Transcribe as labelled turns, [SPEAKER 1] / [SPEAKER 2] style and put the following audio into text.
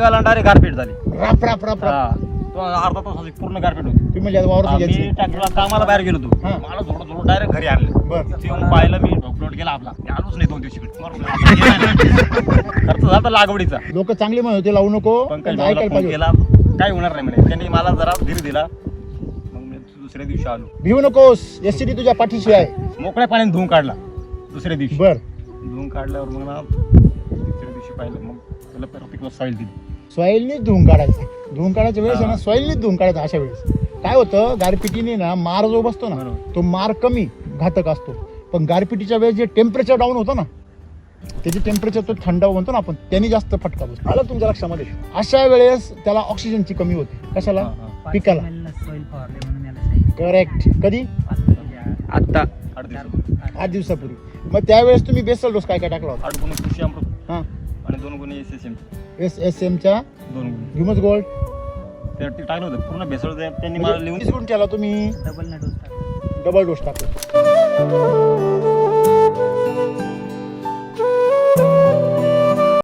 [SPEAKER 1] निघाला डायरेक्ट गारपीट झाली.
[SPEAKER 2] राप राप राप राप.
[SPEAKER 1] तो अर्धा तासाची पूर्ण गारपीट होती.
[SPEAKER 2] तुम्ही म्हणजे वावरती
[SPEAKER 1] मी
[SPEAKER 2] घ्यायची.
[SPEAKER 1] ट्रॅक्टरला कामाला बाहेर गेलो होतो.
[SPEAKER 2] हा.
[SPEAKER 1] मला थोडं डायरेक्ट घरी आणलं.
[SPEAKER 2] बरं.
[SPEAKER 1] ते येऊन पाहिलं मी ढोकलोट गेला आपला. मी आलोच नाही 2 दिवशी खर्च झाला लागवडीचा.
[SPEAKER 2] लोक चांगले म्हणत होते लावू नको,
[SPEAKER 1] पंकज
[SPEAKER 2] पण
[SPEAKER 1] भाऊला
[SPEAKER 2] ऐकायला
[SPEAKER 1] फोन
[SPEAKER 2] पाहिजे.
[SPEAKER 1] केला, काय होणार नाही म्हणे. त्यांनी मला जरा धीर दिला. मग मी दुसऱ्या दिवशी आलो.
[SPEAKER 2] भिवू नकोस, एसटी तुझ्या पाठीशी आहे.
[SPEAKER 1] मोकळ्या पाण्याने धुवून काढला दुसऱ्या दिवशी.
[SPEAKER 2] बर.
[SPEAKER 1] धुवून काढल्यावर मग ना तिसऱ्या दिवशी पाहिलं, मग त्याला प्रत्येक सॉईल दिली.
[SPEAKER 2] सॉईलनीच धुवून काढायचं. धुवून काढायच्या वेळेस आहे ना सॉईलनीच धुवून काढायचं. अशा वेळेस काय होतं, गारपिटीने ना मार जो बसतो ना
[SPEAKER 1] बरोबर.
[SPEAKER 2] तो मार कमी घातक असतो, पण गारपिटीच्या वेळेस जे टेम्परेचर डाऊन होतं ना, त्याची टेम्परेचर तो थंड म्हणतो ना आपण, त्यांनी जास्त फटका बसतो. आलं तुमच्या लक्षामध्ये. अशा वेळेस त्याला ऑक्सिजनची कमी होते. कशाला? पिकाला. करेक्ट. कधी?
[SPEAKER 3] आता
[SPEAKER 2] 8 दिवसापूर्वी. मग त्यावेळेस तुम्ही बेसल डोस काय काय टाकला होता?
[SPEAKER 1] 8 गुणी कृषी अमृत
[SPEAKER 2] हां.
[SPEAKER 1] आणि 2 गुणी SSM.
[SPEAKER 2] SSMच्या
[SPEAKER 1] 2 गुणी
[SPEAKER 2] ह्युमस गोल्ड
[SPEAKER 1] ते टाकलं होतं पूर्ण भेसळ. त्यांनी मला लिहून
[SPEAKER 2] केला तुम्ही. डबल डोस टाकला.